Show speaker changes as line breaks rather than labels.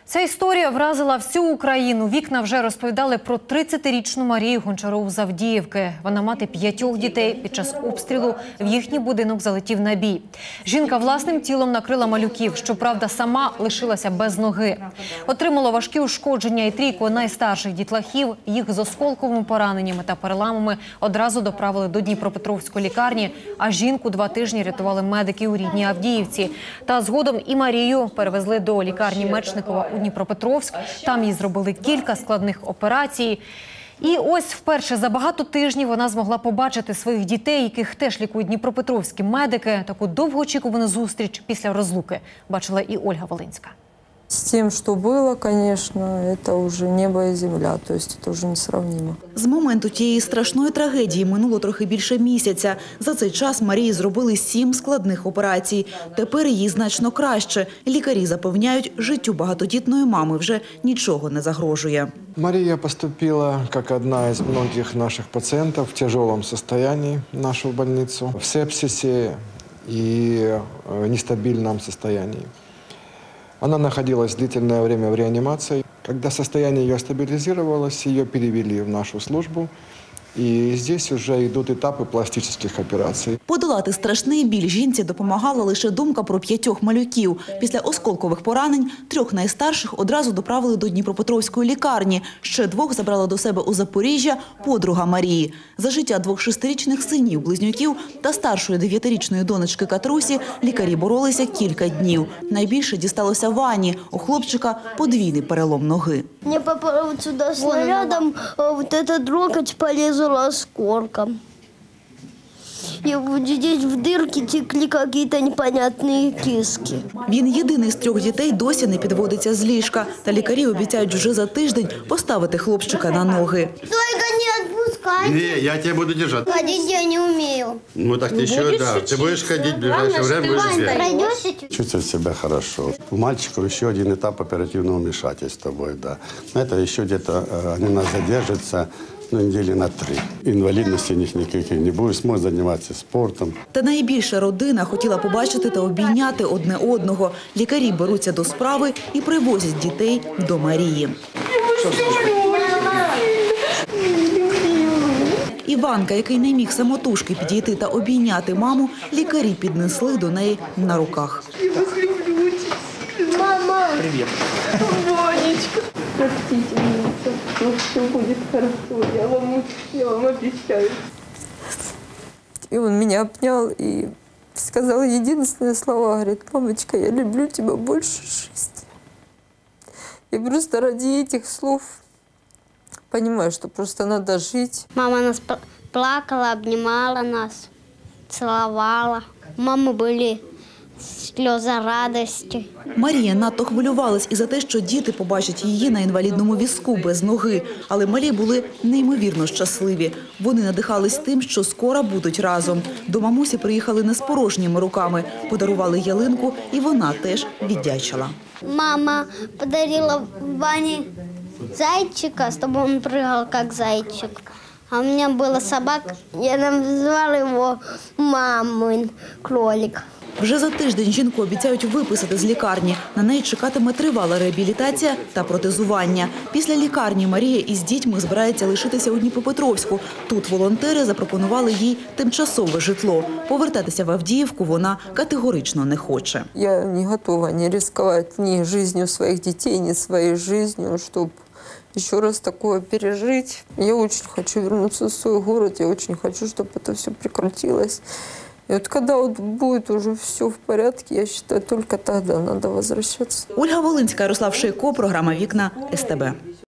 Ця історія вразила всю Україну. Вікна вже розповідали про 30-річну Марію Гончарову з Авдіївки. Вона мати 5 дітей. Під час обстрілу в їхній будинок залетів набій. Жінка власним тілом накрила малюків. Щоправда, сама лишилася без ноги. Отримала важкі ушкодження і 3 найстарших дітлахів. Їх з осколковими пораненнями та переламами одразу доправили до Дніпропетровської лікарні, а жінку 2 тижні рятували медики у рідній Авдіївці. Та згодом і Марію перевезли до лікарні Мечникова у Дніпропетровськ. Там їй зробили кілька складних операцій. І ось вперше за багато тижнів вона змогла побачити своїх дітей, яких теж лікують дніпропетровські медики. Таку довгоочікувану зустріч після розлуки бачила і Ольга Волинська.
С тем, что было, конечно, это уже небо и земля, то есть это уже несравнимо.
З моменту тієї страшної трагедії минуло трохи більше місяця. За цей час Марії зробили 7 складних операцій. Тепер їй значно краще. Лікарі запевняють, життю багатодітної мами вже нічого не загрожує.
Мария поступила как одна из многих наших пациентов в тяжелом состоянии в нашу больницу, в сепсисе и нестабильном состоянии. Она находилась длительное время в реанимации. Когда состояние ее стабилизировалось, ее перевели в нашу службу. І здесь вже йдуть етапи пластичних операцій.
Подолати страшний біль жінці допомагала лише думка про 5 малюків. Після осколкових поранень 3 найстарших одразу доправили до Дніпропетровської лікарні. Ще 2 забрала до себе у Запоріжжя подруга Марії. За життя 2 6-річних синів-близнюків та старшої 9-річної донечки Катрусі лікарі боролися кілька днів. Найбільше дісталося Вані. У хлопчика подвійний перелом ноги.
Мне попало вот сюда снарядом, вот этот локоть полезла осколком. И вот здесь в дырке текли какие-то непонятные киски.
Він єдиний з 3 дітей досі не підводиться з ліжка. Та лікарі обіцяють вже за тиждень поставити хлопчика на ноги.
Только не отпускай.
Не, я тебя буду держать.
Ходить я не умею.
Ну так ты еще, да. Ты будешь ходить в ближайшее время, будешь бегать.
Пройдешь?
Чувствовать себя хорошо. У мальчика еще один этап оперативного вмешательства будет, да. Но это еще где-то, они у нас задержатся, недели на 3. Інвалідності у них ніяких не буде, зможуть займатися спортом.
Та найбільше родина хотіла побачити та обійняти одне одного. Лікарі беруться до справи і привозять дітей до Марії. Іванка, який не міг самотужки підійти та обійняти маму, лікарі піднесли до неї на руках.
Мама!
Привет. Ванечка. Простите меня, все будет хорошо, я вам обещаю. И он меня обнял и сказал единственные слова, говорит: мамочка, я люблю тебя больше жизни. И просто ради этих слов понимаю, что просто надо жить.
Мама нас плакала, обнимала нас, целовала. У мамы были сльози радості.
Марія надто хвилювалась і за те, що діти побачать її на інвалідному візку без ноги. Але малі були неймовірно щасливі. Вони надихались тим, що скоро будуть разом. До мамусі приїхали не з порожніми руками. Подарували ялинку, і вона теж віддячила.
Мама подарила Ване зайчика, чтобы он прыгал как зайчик. А у меня была собака, я назвала его мамин кролик.
Вже за тиждень жінку обіцяють виписати з лікарні. На неї чекатиме тривала реабілітація та протезування. Після лікарні Марія із дітьми збирається лишитися у Дніпропетровську. Тут волонтери запропонували їй тимчасове житло. Повертатися в Авдіївку вона категорично не хоче.
Я не готова не рисковать ни жизнью своих детей, ни своей жизнью, чтобы еще раз такое пережить. Я очень хочу вернуться в свой город, я очень хочу, чтобы это все прекратилось. И вот когда вот будет уже все в порядке, я считаю, только тогда надо возвращаться.
Ольга Волинська, Ярослав Шейко, програма «Вікна» СТБ.